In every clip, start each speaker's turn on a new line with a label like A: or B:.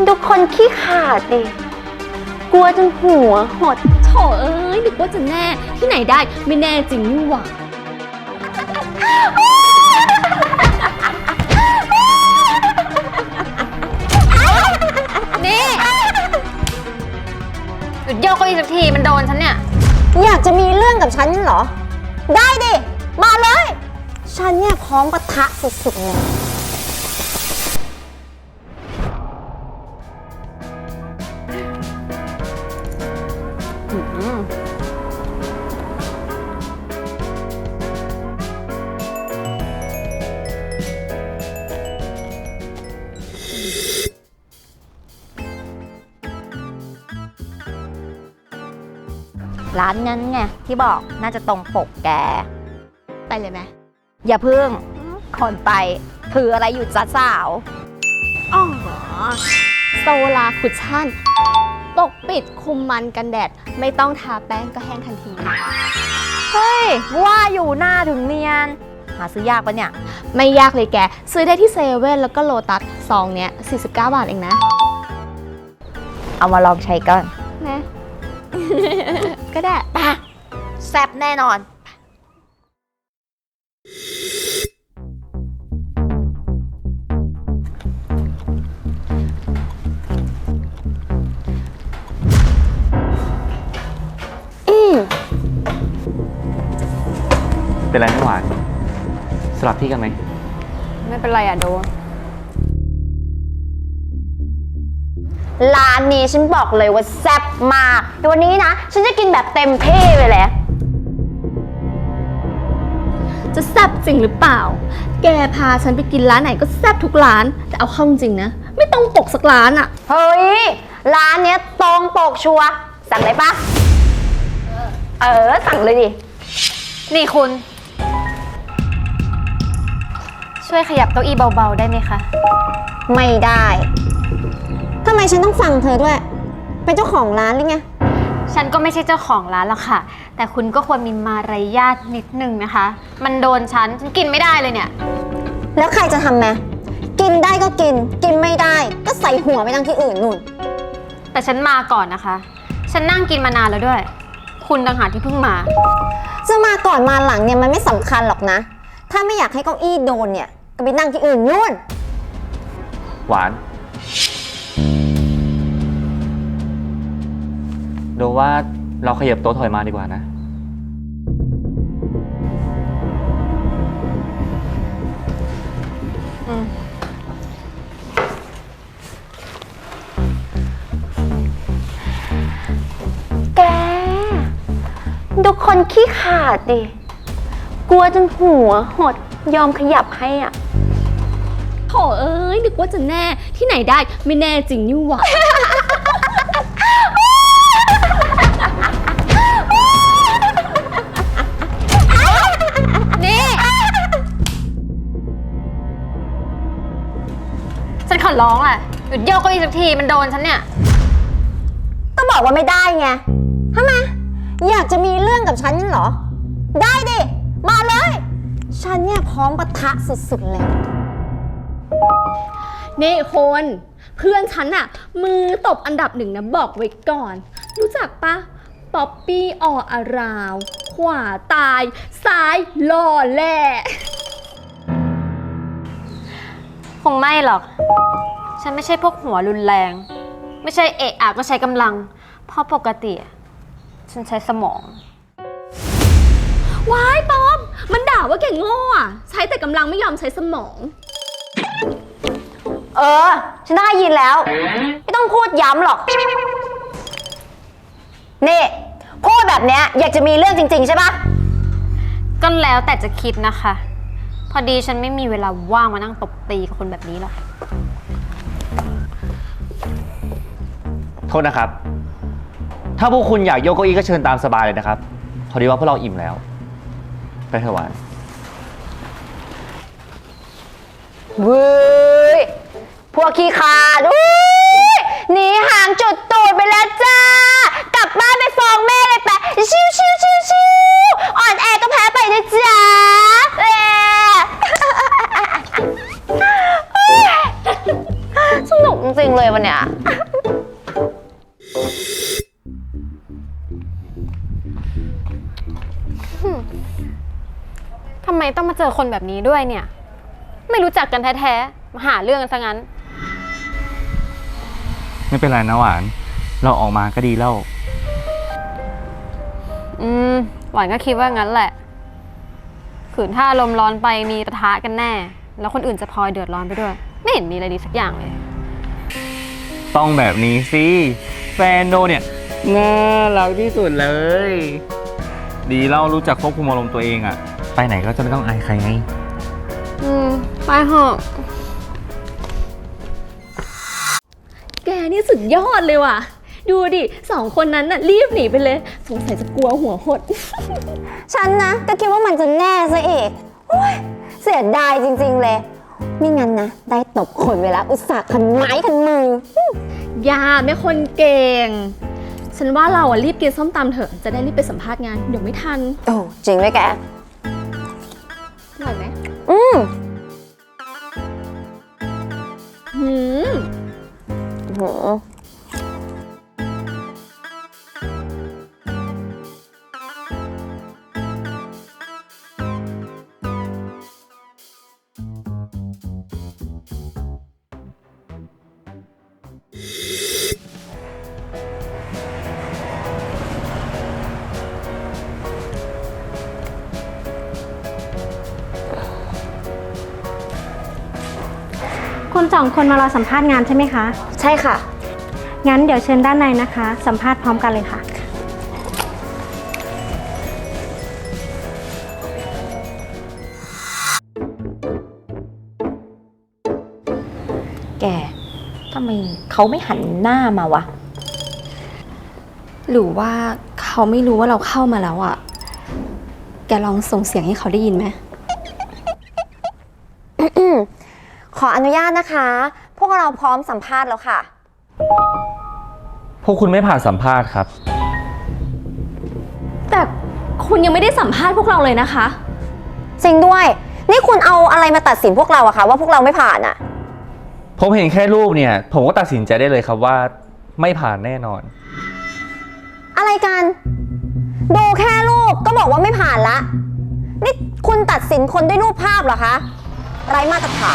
A: ดูคนขี้ขาดดิกลัวจนหัวหด
B: โถเอ้ยนึกว่าจะแน่ที่ไหนได้ไม่แน่จริงนี่หว่านี่หยุดโยกเก้าอี้สักทีมันโดนฉันเนี่ย
C: อยากจะมีเรื่องกับฉันเหรอได้ดิมาเลยฉันเนี่ยพร้อมปะทะสุดๆเลย
D: ร้านนั้นไงที่บอกน่าจะตรงปกแก
B: ไปเลยไหม
D: อย่าพึ่งคนไปถืออะไรอยู่จ้าสาว
B: อ๋อโซลาคุชชั่นปกปิดคุมมันกันแดดไม่ต้องทาแป้งก็แห้งทันที
D: เฮ้ยว่าอยู่หน้าถึงเนียนหาซื้อยากปะเนี่ย
B: ไม่ยากเลยแกซื้อได้ที่เซเว่นแล้วก็โลตัสซองเนี้ย49 บาทเองนะ
D: เอามาลองใช้ก่อน
B: นะ ก็ได้
D: ปะแซ่บแน่นอน
E: เป็นไรไม่หวานสลับที่กันไหม
B: ไม่เป็นไรอะโด
C: ร้านนี้ฉันบอกเลยว่าแซ่บมากแต่วันนี้นะฉันจะกินแบบเต็มที่เลยแหละ
B: จะแซ่บจริงหรือเปล่าแกพาฉันไปกินร้านไหนก็แซ่บทุกร้านแต่เอาเข้าจริงนะไม่ต้องปกสักร้านอะ
C: เฮ้ยร้านเนี้ยตรงปกชัวร์สั่งเลยปะสั่งเลยดิ
B: นี่คุณช่วยขยับเก้าอี้เบาๆได้ไหมคะ
C: ไม่ได้ทำไมฉันต้องฟังเธอด้วยเป็นเจ้าของร้านหรือไง
B: ฉันก็ไม่ใช่เจ้าของร้านหรอกค่ะแต่คุณก็ควรมีมารยาทนิดนึงนะคะมันโดนฉันกินไม่ได้เลยเนี่ย
C: แล้วใครจะทำไหมกินได้ก็กินกินไม่ได้ก็ใส่หัวไปนั่งที่อื่นนู่น
B: แต่ฉันมาก่อนนะคะฉันนั่งกินมานานแล้วด้วยคุณต่างหากที่เพิ่งมา
C: จะมาก่อนมาหลังเนี่ยมันไม่สำคัญหรอกนะถ้าไม่อยากให้เก้าอี้โดนเนี่ยก็ไปนั่งที่อื่นนู่น
E: หวานดูว่าเราขยับโต๊ะถอยมาดีกว่านะ
A: แกดูคนขี้ขาดดิกลัวจนหัวหดยอมขยับให้อ่ะ
B: โถเอ้ยนึกว่าจะแน่ที่ไหนได้ไม่แน่จริงนี่หว่านี่ฉันขอร้องแหละหยุดโยกเก้าอี้สักทีมันโดนฉันเนี่ย
C: ก็บอกว่าไม่ได้ไงทำไมอยากจะมีเรื่องกับฉันเหรอได้ดิมาเลยฉันเนี่ยพร้อมปะทะสุดๆเลย
B: นี่คนเพื่อนฉันอะมือตบอันดับ1นะบอกไว้ก่อนรู้จักปะป๊อปปี้ออาราวขวาตายซ้ายหล่อแหละคงไม่หรอกฉันไม่ใช่พวกหัวรุนแรงไม่ใช่เอะอะก็ใช้กำลังเพราะปกติฉันใช้สมองว้ายป๊อปมันด่าว่าแกโง่อะใช้แต่กำลังไม่ยอมใช้สมอง
C: ฉันได้ยินแล้วไม่ต้องพูดย้ำหรอกนี่พูดแบบเนี้ยอยากจะมีเรื่องจริงๆใช่ปะ
B: ก็แล้วแต่จะคิดนะคะพอดีฉันไม่มีเวลาว่างมานั่งตบตีกับคนแบบนี้หรอก
E: โทษนะครับถ้าพวกคุณอยากโยกเก้าอี้ก็เชิญตามสบายเลยนะครับพอดีว่าพวกเราอิ่มแล้วไปเถอะหวาน
C: เว้ยพวกขี้ขาดหนีห่างจุดตูดไปแล้วจ้ากลับบ้านไปฟ้องแม่เลยไปชิวชิวชิวชิวอ่อนแอก็แพ้ไปนะจ๊ะสนุกจริงเลยวันเนี้ย
A: ทำไมต้องมาเจอคนแบบนี้ด้วยเนี่ย ไม่รู้จักกันแท้ๆ มาหาเรื่องกันซะงั้น
E: ไม่เป็นไรนะหวาน เราออกมาก็ดีแล้ว
A: หวานก็คิดว่างั้นแหละ ขืนถ้าอารมณ์ร้อนไปมีปะทะกันแน่ แล้วคนอื่นจะพลอยเดือดร้อนไปด้วย ไม่เห็นมีอะไรดีสักอย่างเลย
E: ต้องแบบนี้สิ แฟนโดเนี่ยน่ารักที่สุดเลย ดีแล้วรู้จักควบคุมอารมณ์ตัวเองอะไปไหนก็จะไม่ต้องอายใครไง
A: ไปเถอะ
B: แกนี่สุดยอดเลยว่ะ ดูดิ2 คนนั้นน่ะรีบหนีไปเลย สงสัยจะกลัวหัวหด
C: ฉันนะก็คิดว่ามันจะแน่ซะอีกโอ๊ยเสียดายจริงๆเลยไม่งั้นนะ ได้ตบคนเวลาอุตส่าห์คันไม้คันมือ
B: อย่าไม่คนเก่ง ฉันว่าเราอ่ะรีบกินส้มตำเถอะ จะได้รีบไปสัมภาษณ์งาน เดี๋ยวไม่ทัน
C: โอ้จริงไหมแก
B: อร่อยไหม
C: อืม
B: หืม
C: โห
F: คุณ2 คนมารอสัมภาษณ์งานใช่ไหมคะ
C: ใช่ค่ะ
F: งั้นเดี๋ยวเชิญด้านในนะคะ สัมภาษณ์พร้อมกันเลยค่ะ
D: แก ทำไมเขาไม่หันหน้ามาวะ
B: หรือว่าเขาไม่รู้ว่าเราเข้ามาแล้วอ่ะ แกลองส่งเสียงให้เขาได้ยินไหม
C: ขออนุญาตนะคะ พวกเราพร้อมสัมภาษณ์แล้วค่ะ
E: พวกคุณไม่ผ่านสัมภาษณ์ครับ
B: แต่คุณยังไม่ได้สัมภาษณ์พวกเราเลยนะคะ
C: จริงด้วย นี่คุณเอาอะไรมาตัดสินพวกเราอะคะว่าพวกเราไม่ผ่านอะ
E: ผมเห็นแค่รูปเนี่ย ผมก็ตัดสินใจได้เลยครับว่าไม่ผ่านแน่นอน
C: อะไรกัน ดูแค่รูปก็บอกว่าไม่ผ่านละ นี่คุณตัดสินคนด้วยรูปภาพเหรอคะ ไร้มาตรฐาน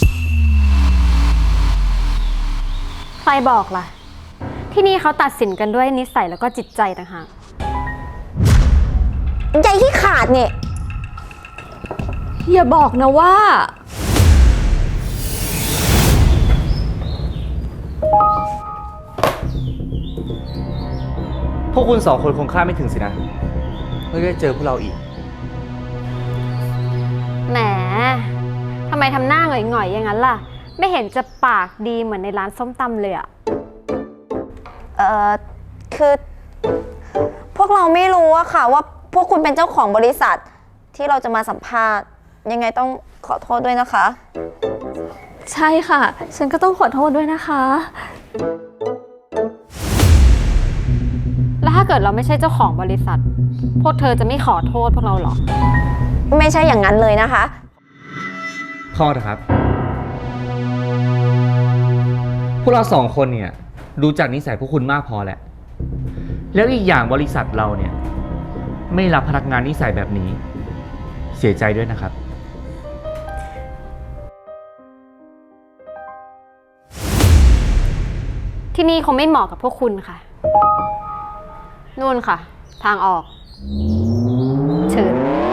A: ใครบอกล่ะ ที่นี่เขาตัดสินกันด้วยนิสัยแล้วก็จิตใจต่างหาก
C: ใจที่ขาดเนี่ย
B: อย่าบอกนะว่า
E: พวกคุณ2 คนคงคาดไม่ถึงสินะว่าจะเจอพวกเราอีก
A: แหม ทำไมทำหน้าหงอยๆอย่างนั้นล่ะ ไม่เห็นจะปากดีเหมือนในร้านส้มตำเลยอะ
C: คือ พวกเราไม่รู้อะค่ะว่าพวกคุณเป็นเจ้าของบริษัทที่เราจะมาสัมภาษณ์ ยังไงต้องขอโทษด้วยนะคะ
B: ใช่ค่ะ ฉันก็ต้องขอโทษด้วยนะคะ
A: แล้วถ้าเกิดเราไม่ใช่เจ้าของบริษัท พวกเธอจะไม่ขอโทษพวกเราหรอ
C: ไม่ใช่อย่างนั้นเลยนะคะ
E: พอเถอะครับ พวกเรา2 คนเนี่ยรู้จักนิสัยพวกคุณมากพอแหละ แล้วอีกอย่างบริษัทเราเนี่ยไม่รับพนักงานนิสัยแบบนี้ เสียใจด้วยนะครับ
A: ที่นี่คงไม่เหมาะกับพวกคุณค่ะ นู่นค่ะ ทางออก เชิญ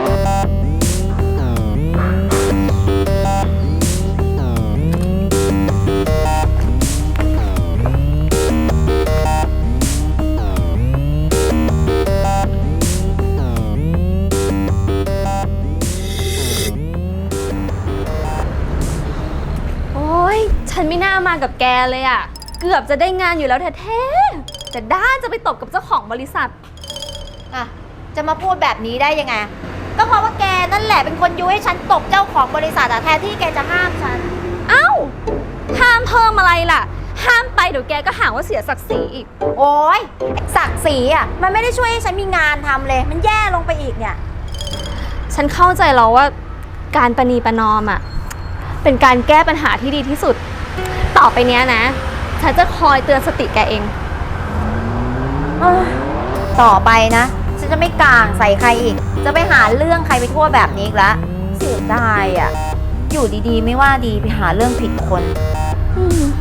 B: โอ๊ย ฉันไม่น่ามากับแกเลยอะเกือบจะได้งานอยู่แล้วแท้ๆแต่ด้านจะไปตบกับเจ้าของบริษัท
D: อ่ะ จะมาพูดแบบนี้ได้ยังไง ก็เพราะว่าแกนั่นแหละเป็นคนยุให้ฉันตบเจ้าของบริษัทอะแทนที่แกจะห้ามฉัน
B: เอ้า ห้ามเพิ่มอะไรล่ะ ห้ามไปเดี๋ยวแกก็หาว่าเสียศักดิ์ศรีอีก
D: โอ๊ยศักดิ์ศรีอะมันไม่ได้ช่วยให้ฉันมีงานทำเลย มันแย่ลงไปอีกเนี่ย
B: ฉันเข้าใจแล้วว่าการประนีประนอมอะเป็นการแก้ปัญหาที่ดีที่สุด ต่อไปเนี้ยนะฉันจะคอยเตือนสติแกเอง
D: ต่อไปนะ ฉันจะไม่กลางใส่ใครอีก จะไปหาเรื่องใครไปทั่วแบบนี้อีกละเสียดายอ่ะ อยู่ดีๆ ไม่ว่าดีไปหาเรื่องผิดคน